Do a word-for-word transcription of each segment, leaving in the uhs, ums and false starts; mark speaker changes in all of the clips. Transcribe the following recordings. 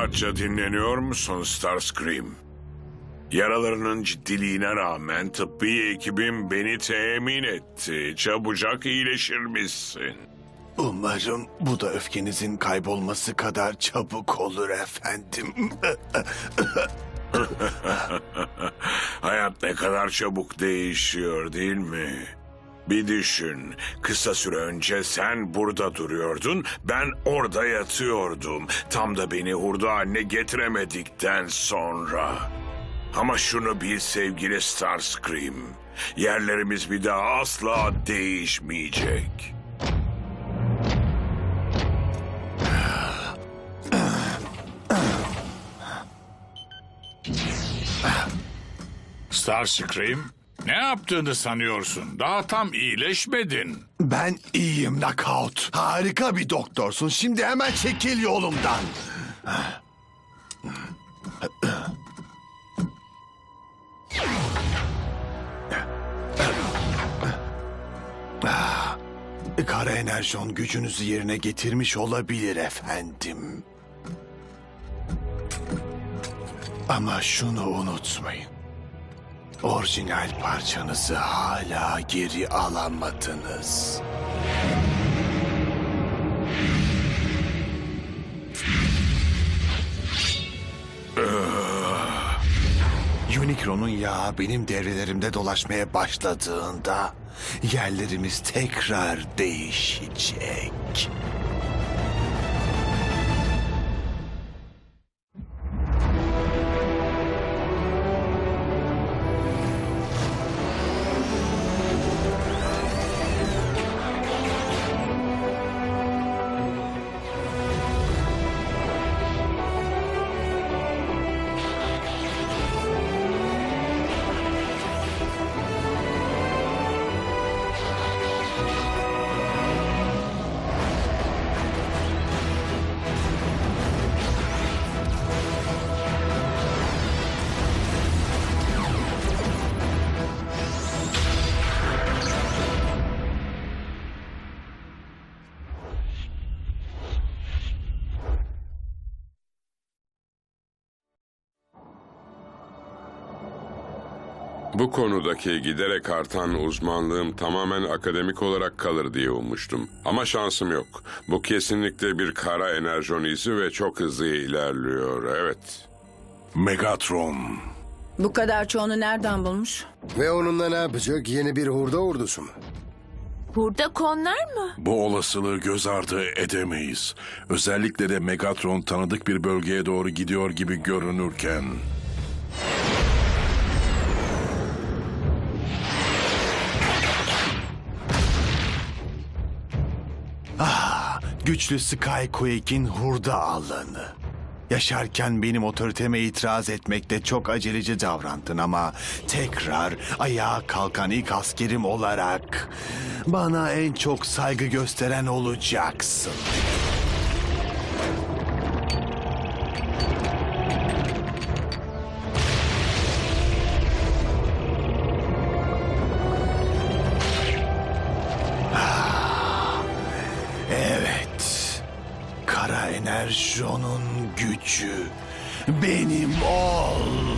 Speaker 1: Rahatça dinleniyor musun Starscream? Yaralarının ciddiliğine rağmen tıbbi ekibim beni temin etti. Çabucak iyileşirmişsin.
Speaker 2: Umarım bu da öfkenizin kaybolması kadar çabuk olur efendim.
Speaker 1: Hayat ne kadar çabuk değişiyor değil mi? Bir düşün, kısa süre önce sen burada duruyordun, ben orada yatıyordum. Tam da beni hurda haline getiremedikten sonra. Ama şunu bil sevgili Starscream, yerlerimiz bir daha asla değişmeyecek.
Speaker 3: Starscream, ne yaptığını sanıyorsun? Daha tam iyileşmedin.
Speaker 2: Ben iyiyim Knockout. Harika bir doktorsun. Şimdi hemen çekil yolumdan. Kara enerjon gücünüzü yerine getirmiş olabilir efendim. Ama şunu unutmayın. Orijinal parçanızı hala geri alamadınız. Unicron'un yağı benim devrelerimde dolaşmaya başladığında yerlerimiz tekrar değişecek.
Speaker 4: Bu konudaki giderek artan uzmanlığım tamamen akademik olarak kalır diye ummuştum. Ama şansım yok. Bu kesinlikle bir kara enerjon izi ve çok hızlı ilerliyor, evet.
Speaker 1: Megatron.
Speaker 5: Bu kadar çoğunu nereden bulmuş?
Speaker 6: Ve onunla ne yapacak? Yeni bir hurda ordusu mu?
Speaker 7: Burada konlar mı?
Speaker 8: Bu olasılığı göz ardı edemeyiz. Özellikle de Megatron tanıdık bir bölgeye doğru gidiyor gibi görünürken.
Speaker 2: Ah, güçlü Skyquake'in hurda alanı. Yaşarken benim otoriteme itiraz etmekte çok aceleci davrandın ama tekrar ayağa kalkan ilk askerim olarak bana en çok saygı gösteren olacaksın. Evet, kara enerjonun gücü benim ol.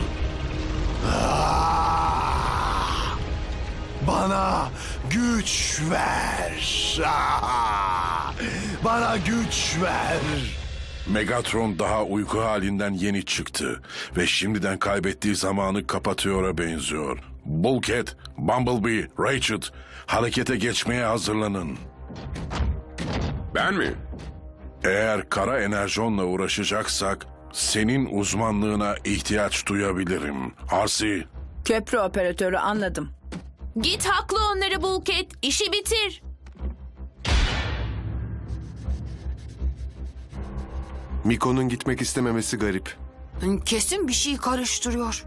Speaker 2: Ah! Bana güç ver. Ah! Bana güç ver.
Speaker 8: Megatron daha uyku halinden yeni çıktı ve şimdiden kaybettiği zamanı kapatıyor'a benziyor. Bulkhead, Bumblebee, Rachel, harekete geçmeye hazırlanın.
Speaker 4: Ben mi?
Speaker 8: Eğer kara enerjonla uğraşacaksak senin uzmanlığına ihtiyaç duyabilirim. Arsi.
Speaker 5: Köprü operatörü, anladım.
Speaker 7: Git haklı onları Bulkhead. İşi bitir.
Speaker 6: Miko'nun gitmek istememesi garip.
Speaker 7: Kesin bir şey karıştırıyor.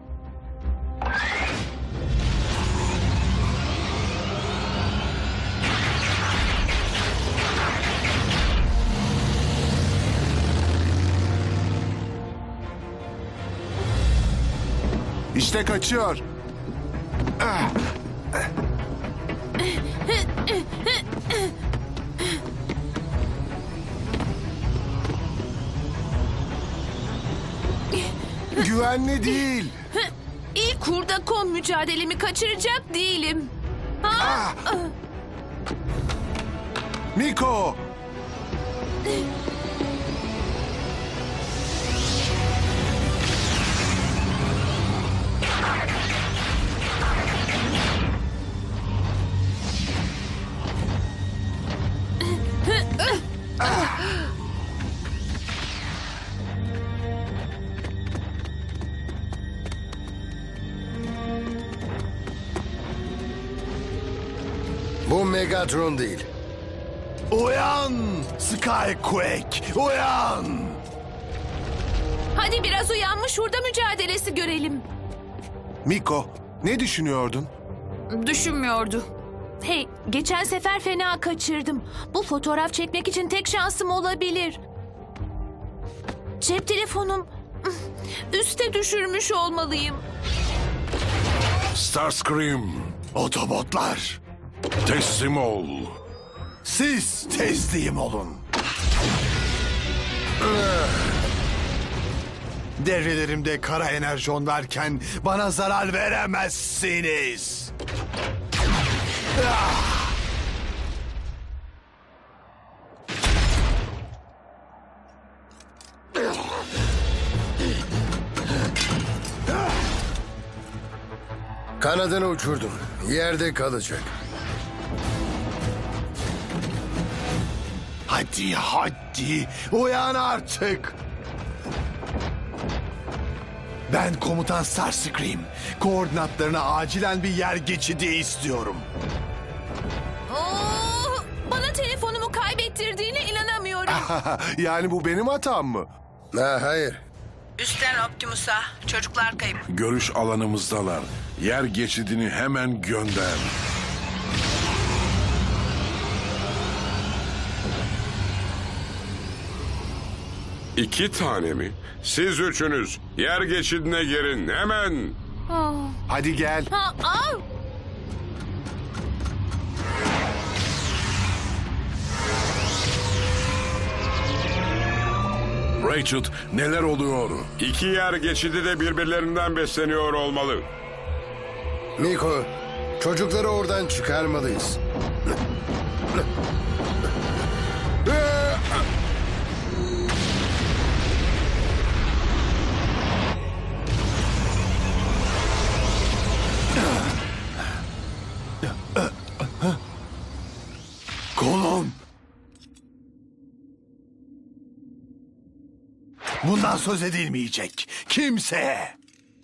Speaker 6: İşte kaçıyor. Ah! güvenli değil.
Speaker 7: İlk hurda kon mücadelemi kaçıracak değilim. Ha?
Speaker 6: Miko! Bu Megatron değil.
Speaker 2: Uyan Skyquake, uyan!
Speaker 7: Hadi biraz uyanmış hurda mücadelesi görelim.
Speaker 6: Miko, ne düşünüyordun?
Speaker 7: Düşünmüyordu. Hey, geçen sefer fena kaçırdım. Bu fotoğraf çekmek için tek şansım olabilir. Cep telefonum üste düşürmüş olmalıyım.
Speaker 8: Starscream,
Speaker 2: Otobotlar,
Speaker 8: teslim ol.
Speaker 2: siz teslim olun. Devrelerimde kara enerjon varken bana zarar veremezsiniz. Ah!
Speaker 6: Kanadını uçurdum. Yerde kalacak.
Speaker 2: Hadi hadi uyan artık. Ben komutan Starscream. Koordinatlarına acilen bir yer geçidi istiyorum.
Speaker 7: Oo, bana telefonumu kaybettirdiğine inanamıyorum.
Speaker 6: Yani bu benim hatam mı? Ha, hayır.
Speaker 5: Üstten Optimus'a. Çocuklar kayıp.
Speaker 8: Görüş alanımızdalar. Yer geçidini hemen gönder.
Speaker 4: İki tane mi? Siz üçünüz yer geçidine girin hemen.
Speaker 6: Hadi gel.
Speaker 7: Ha, aa!
Speaker 8: Rachel, neler oluyor?
Speaker 4: İki yer geçidi de birbirlerinden besleniyor olmalı.
Speaker 6: Miko, çocukları oradan çıkarmalıyız.
Speaker 2: Kolum. Bundan söz edilmeyecek. Kimseye.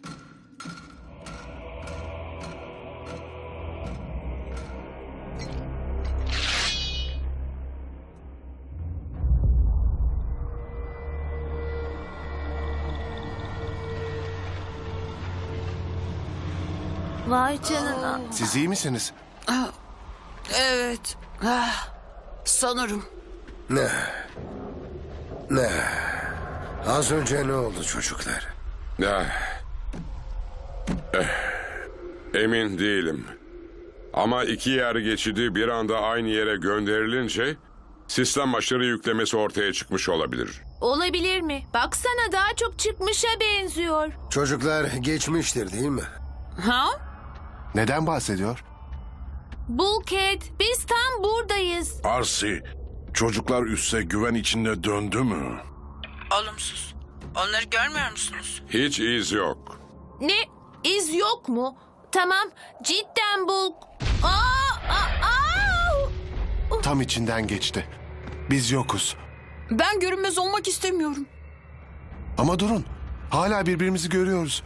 Speaker 7: Vay canına.
Speaker 6: Siz iyi misiniz?
Speaker 9: Evet. Ah, sanırım.
Speaker 6: Ne? Ne? Az önce ne oldu çocuklar?
Speaker 4: Eh. Eh. Emin değilim. Ama iki yer geçidi bir anda aynı yere gönderilince sistem aşırı yüklemesi ortaya çıkmış olabilir.
Speaker 7: Olabilir mi? Baksana daha çok çıkmışa benziyor.
Speaker 6: Çocuklar geçmiştir değil mi?
Speaker 7: Ha?
Speaker 6: Neden bahsediyor?
Speaker 7: Bulkhead, biz tam buradayız.
Speaker 8: Arsi, çocuklar üsse güven içinde döndü mü?
Speaker 5: Olumsuz. Onları görmüyor musunuz?
Speaker 4: Hiç iz yok.
Speaker 7: Ne? İz yok mu? Tamam, cidden Bulk. Aa, aa, aa!
Speaker 6: Tam içinden geçti. Biz yokuz.
Speaker 9: Ben görünmez olmak istemiyorum.
Speaker 6: Ama durun. Hala birbirimizi görüyoruz.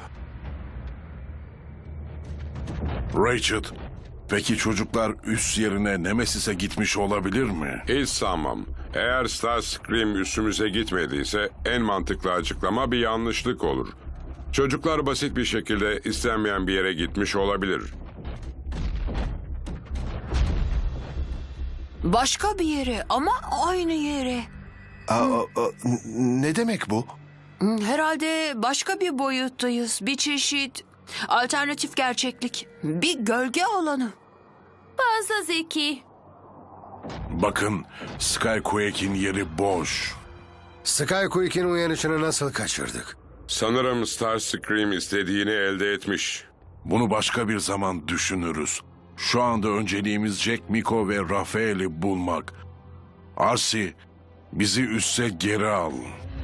Speaker 8: Rachel, peki çocuklar üs yerine Nemesis'e gitmiş olabilir mi?
Speaker 4: Hiç sanmam. Eğer Starscream üstümüze gitmediyse en mantıklı açıklama bir yanlışlık olur. Çocuklar basit bir şekilde istenmeyen bir yere gitmiş olabilir.
Speaker 9: Başka bir yere ama aynı yere.
Speaker 6: Aa, aa, n- ne demek bu?
Speaker 9: Hmm, Herhalde başka bir boyuttayız. Bir çeşit alternatif gerçeklik. Bir gölge alanı.
Speaker 7: Fazla zeki.
Speaker 8: Bakın, Skyquake'in yeri boş.
Speaker 6: Skyquake'in uyanışını nasıl kaçırdık?
Speaker 4: Sanırım Starscream istediğini elde etmiş.
Speaker 8: Bunu başka bir zaman düşünürüz. Şu anda önceliğimiz Jack, Miko ve Rafael'i bulmak. Arsi, bizi üsse geri al.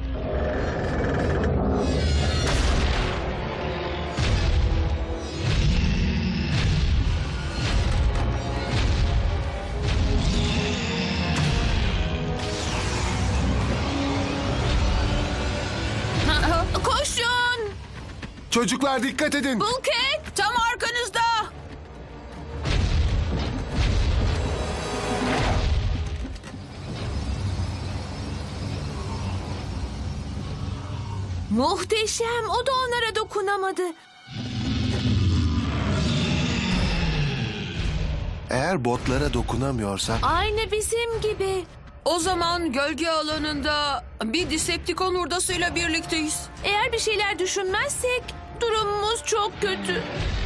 Speaker 7: Koşun!
Speaker 6: Çocuklar dikkat edin.
Speaker 7: Bulket!
Speaker 9: Tam arkanızda.
Speaker 7: Muhteşem. O da onlara dokunamadı.
Speaker 6: Eğer botlara dokunamıyorsa...
Speaker 7: Aynı bizim gibi.
Speaker 9: O zaman gölge alanında bir Decepticon hurdasıyla birlikteyiz.
Speaker 7: Eğer bir şeyler düşünmezsek durumumuz çok kötü.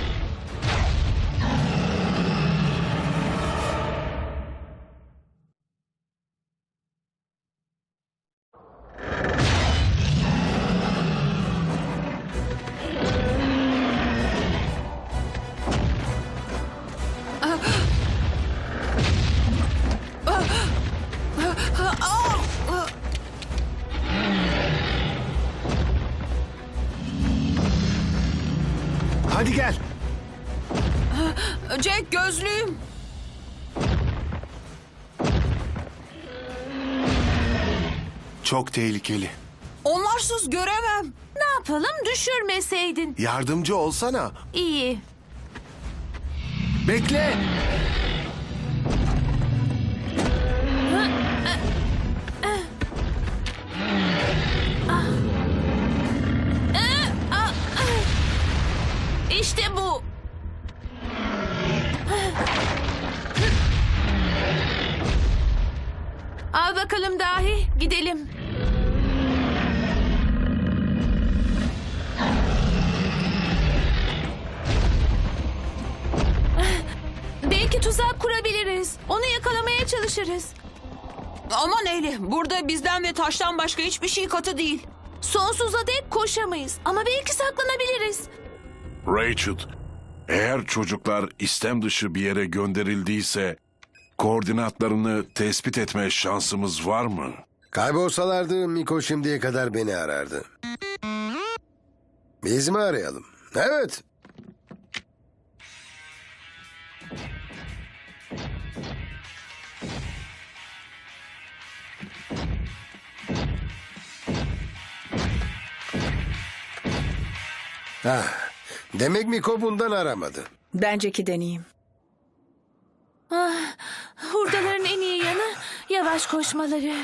Speaker 6: Hadi gel.
Speaker 9: Jack, gözlüğüm.
Speaker 6: Çok tehlikeli.
Speaker 9: Onlarsız göremem.
Speaker 7: Ne yapalım, düşürmeseydin.
Speaker 6: Yardımcı olsana.
Speaker 7: İyi.
Speaker 6: Bekle.
Speaker 7: İşte bu. Al bakalım dahi, gidelim. Belki tuzak kurabiliriz. Onu yakalamaya çalışırız.
Speaker 9: Aman Eyle, burada bizden ve taştan başka hiçbir şey katı değil.
Speaker 7: Sonsuza dek koşamayız ama belki saklanabiliriz.
Speaker 8: Rachel, eğer çocuklar istem dışı bir yere gönderildiyse koordinatlarını tespit etme şansımız var mı?
Speaker 6: Kaybolsalardı Miko şimdiye kadar beni arardı. Biz mi arayalım? Evet. Ah, demek Miko bundan aramadı.
Speaker 10: Benceki deneyeyim.
Speaker 7: Ah, hurdaların en iyi yanı yavaş koşmaları.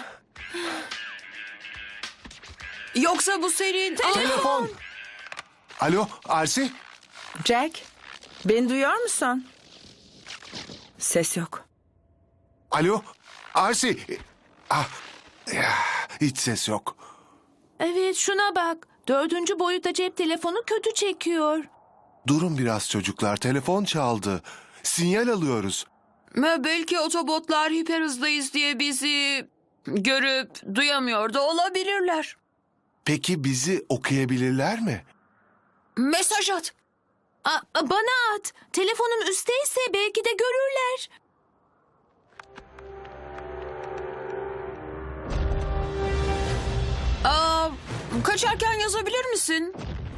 Speaker 9: Yoksa bu senin...
Speaker 6: Telefon. Alo, Arsi?
Speaker 10: Jack, beni duyuyor musun? Ses yok.
Speaker 6: Alo, Arsi. Ah, ya, hiç ses yok.
Speaker 7: Evet, şuna bak. Dördüncü boyutta cep telefonu kötü çekiyor.
Speaker 6: Durun biraz çocuklar, telefon çaldı. Sinyal alıyoruz.
Speaker 9: Ve belki otobotlar hiper hızdayız diye bizi görüp duyamıyor da olabilirler.
Speaker 6: Peki bizi okuyabilirler mi?
Speaker 9: Mesaj at.
Speaker 7: A- a- bana at. Telefonum üstteyse belki de görürler.
Speaker 9: Aa, kaçarken yazabilir misin?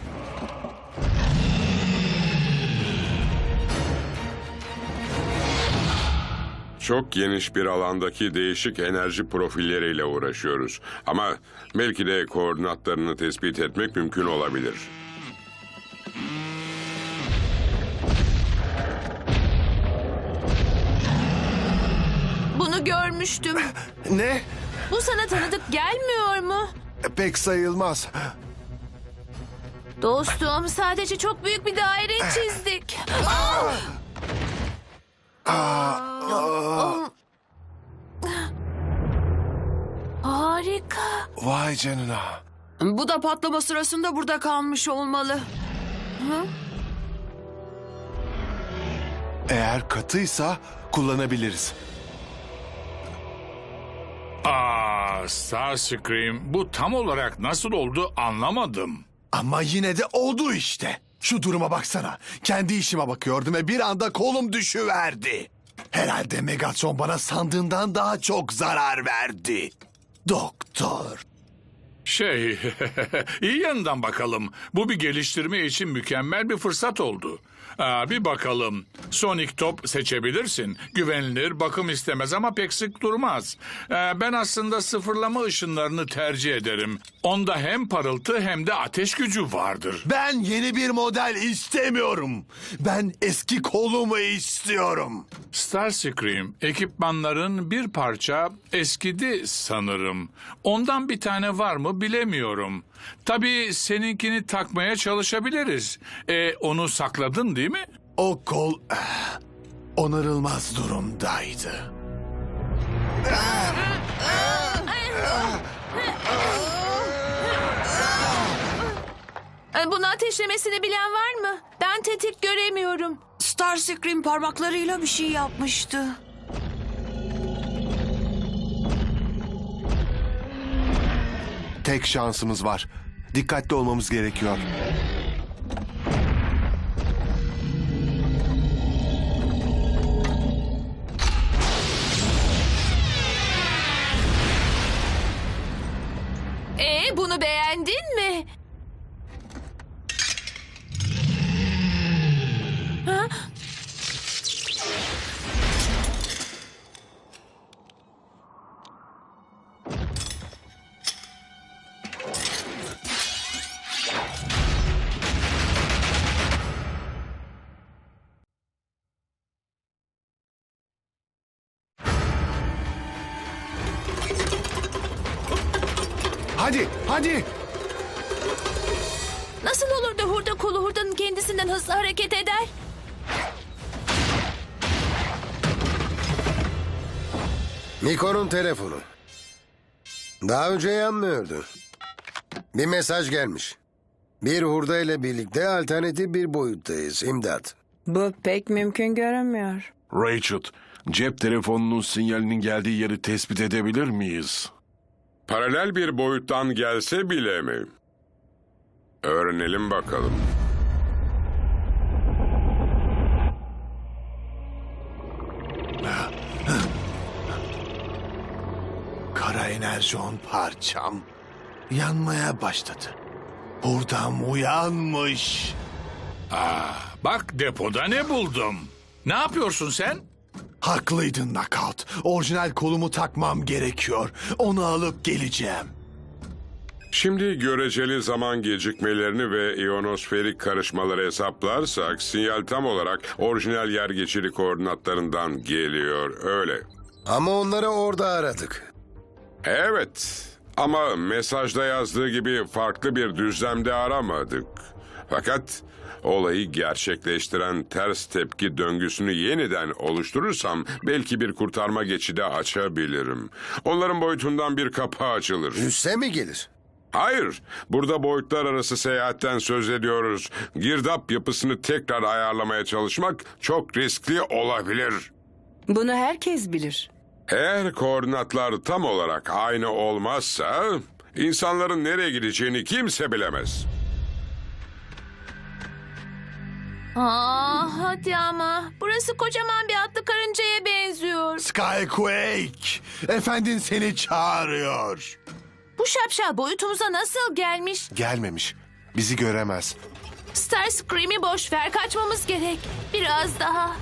Speaker 4: Çok geniş bir alandaki değişik enerji profilleriyle uğraşıyoruz. Ama belki de koordinatlarını tespit etmek mümkün olabilir.
Speaker 7: Bunu görmüştüm.
Speaker 6: Ne?
Speaker 7: Bu sana tanıdık gelmiyor mu?
Speaker 6: Pek sayılmaz.
Speaker 7: Dostum, sadece çok büyük bir daire çizdik. Harika.
Speaker 6: Vay canına.
Speaker 9: Bu da patlama sırasında burada kalmış olmalı.
Speaker 6: Eğer katıysa kullanabiliriz.
Speaker 3: Aa, Starscream, bu tam olarak nasıl oldu anlamadım.
Speaker 2: Ama yine de oldu işte. Şu duruma baksana. Kendi işime bakıyordum ve bir anda kolum düşüverdi. Herhalde Megatron bana sandığından daha çok zarar verdi. Doktor.
Speaker 3: Şey, iyi yanından bakalım. Bu bir geliştirme için mükemmel bir fırsat oldu. Aa, bir bakalım. Sonic top seçebilirsin. Güvenilir, bakım istemez ama pek sık durmaz. Ee, ben aslında sıfırlama ışınlarını tercih ederim. Onda hem parıltı hem de ateş gücü vardır.
Speaker 2: Ben yeni bir model istemiyorum. Ben eski kolumu istiyorum.
Speaker 3: Starscream, ekipmanların bir parça eskidi sanırım. Ondan bir tane var mı bilemiyorum. Tabii seninkini takmaya çalışabiliriz. E, onu sakladın değil mi?
Speaker 2: O kol eh, onarılmaz durumdaydı.
Speaker 7: Ee, Bunu ateşlemesini bilen var mı? Ben tetik göremiyorum.
Speaker 9: Starscream parmaklarıyla bir şey yapmıştı.
Speaker 6: Tek şansımız var. Dikkatli olmamız gerekiyor.
Speaker 7: Ee, bunu beğendin mi? Ha?
Speaker 6: Hadi, hadi.
Speaker 7: Nasıl olur da hurda kolu hurdanın kendisinden hızlı hareket eder?
Speaker 11: Nikon'un telefonu. Daha önce yanmıyordu. Bir mesaj gelmiş. Bir hurda ile birlikte alternatif bir boyuttayız. İmdat.
Speaker 10: Bu pek mümkün görünmüyor.
Speaker 8: Rachel, cep telefonunun sinyalinin geldiği yeri tespit edebilir miyiz?
Speaker 4: Paralel bir boyuttan gelse bile mi? Öğrenelim bakalım.
Speaker 2: Kara enerjon parçam yanmaya başladı. Hurdam uyanmış.
Speaker 3: Bak depoda ne buldum. Ne yapıyorsun sen?
Speaker 2: Haklıydın Knockout. Orijinal kolumu takmam gerekiyor. Onu alıp geleceğim.
Speaker 4: Şimdi göreceli zaman gecikmelerini ve iyonosferik karışmaları hesaplarsak sinyal tam olarak orijinal yer geçiri koordinatlarından geliyor, öyle.
Speaker 11: Ama onları orada aradık.
Speaker 4: Evet ama mesajda yazdığı gibi farklı bir düzlemde aramadık. Fakat olayı gerçekleştiren ters tepki döngüsünü yeniden oluşturursam belki bir kurtarma geçidi açabilirim. Onların boyutundan bir kapı açılır.
Speaker 11: Üsse mi gelir?
Speaker 4: Hayır, burada boyutlar arası seyahatten söz ediyoruz. Girdap yapısını tekrar ayarlamaya çalışmak çok riskli olabilir.
Speaker 10: Bunu herkes bilir.
Speaker 4: Eğer koordinatlar tam olarak aynı olmazsa insanların nereye gideceğini kimse bilemez.
Speaker 7: Aa, hadi ama. Burası kocaman bir atlı karıncaya benziyor.
Speaker 2: Skyquake, efendin seni çağırıyor.
Speaker 7: Bu şapşal boyutumuza nasıl gelmiş?
Speaker 6: Gelmemiş. Bizi göremez.
Speaker 7: Starscream'i boş ver, kaçmamız gerek. Biraz daha.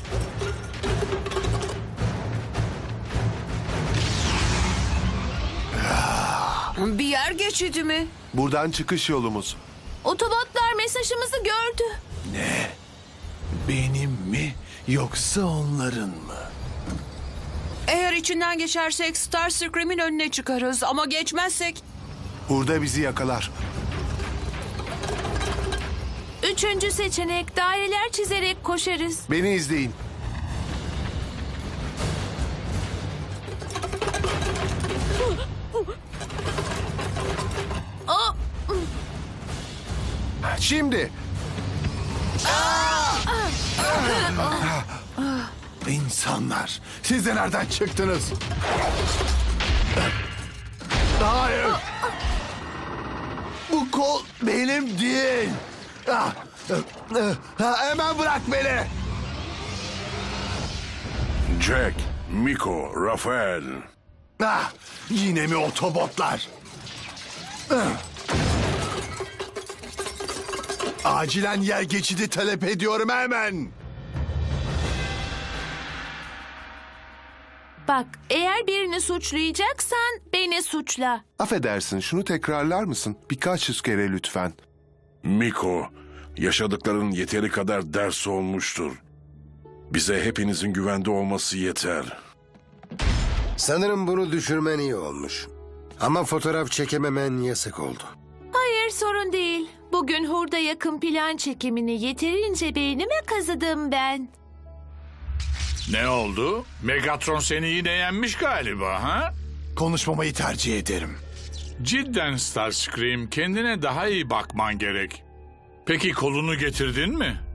Speaker 9: Bir yer geçidi mi?
Speaker 6: Buradan çıkış yolumuz.
Speaker 7: Otobotlar mesajımızı gördü.
Speaker 2: Ne? Benim mi yoksa onların mı?
Speaker 9: Eğer içinden geçersek Starscream'in önüne çıkarız ama geçmezsek...
Speaker 6: Hurda bizi yakalar.
Speaker 7: Üçüncü seçenek, daireler çizerek koşarız.
Speaker 6: Beni izleyin.
Speaker 7: Aa,
Speaker 6: Şimdi.
Speaker 2: İnsanlar, siz de nereden çıktınız? Hayır. Bu kol benim değil. Ah, ah, ah, hemen bırak beni.
Speaker 8: Jack, Miko, Rafael.
Speaker 2: Ah, yine mi otobotlar? Ah. Acilen yer geçidi talep ediyorum hemen.
Speaker 7: Bak, eğer birini suçlayacaksan beni suçla.
Speaker 6: Affedersin, şunu tekrarlar mısın? Birkaç yüz kere lütfen.
Speaker 8: Miko, yaşadıkların yeteri kadar ders olmuştur. Bize hepinizin güvende olması yeter.
Speaker 11: Sanırım bunu düşürmen iyi olmuş. Ama fotoğraf çekememen yasak oldu.
Speaker 7: Hayır, sorun değil. Bugün hurda yakın plan çekimini yeterince beynime kazıdım ben.
Speaker 3: Ne oldu? Megatron seni yine yenmiş galiba ha?
Speaker 2: Konuşmamayı tercih ederim.
Speaker 3: Cidden Starscream, kendine daha iyi bakman gerek. Peki kolunu getirdin mi?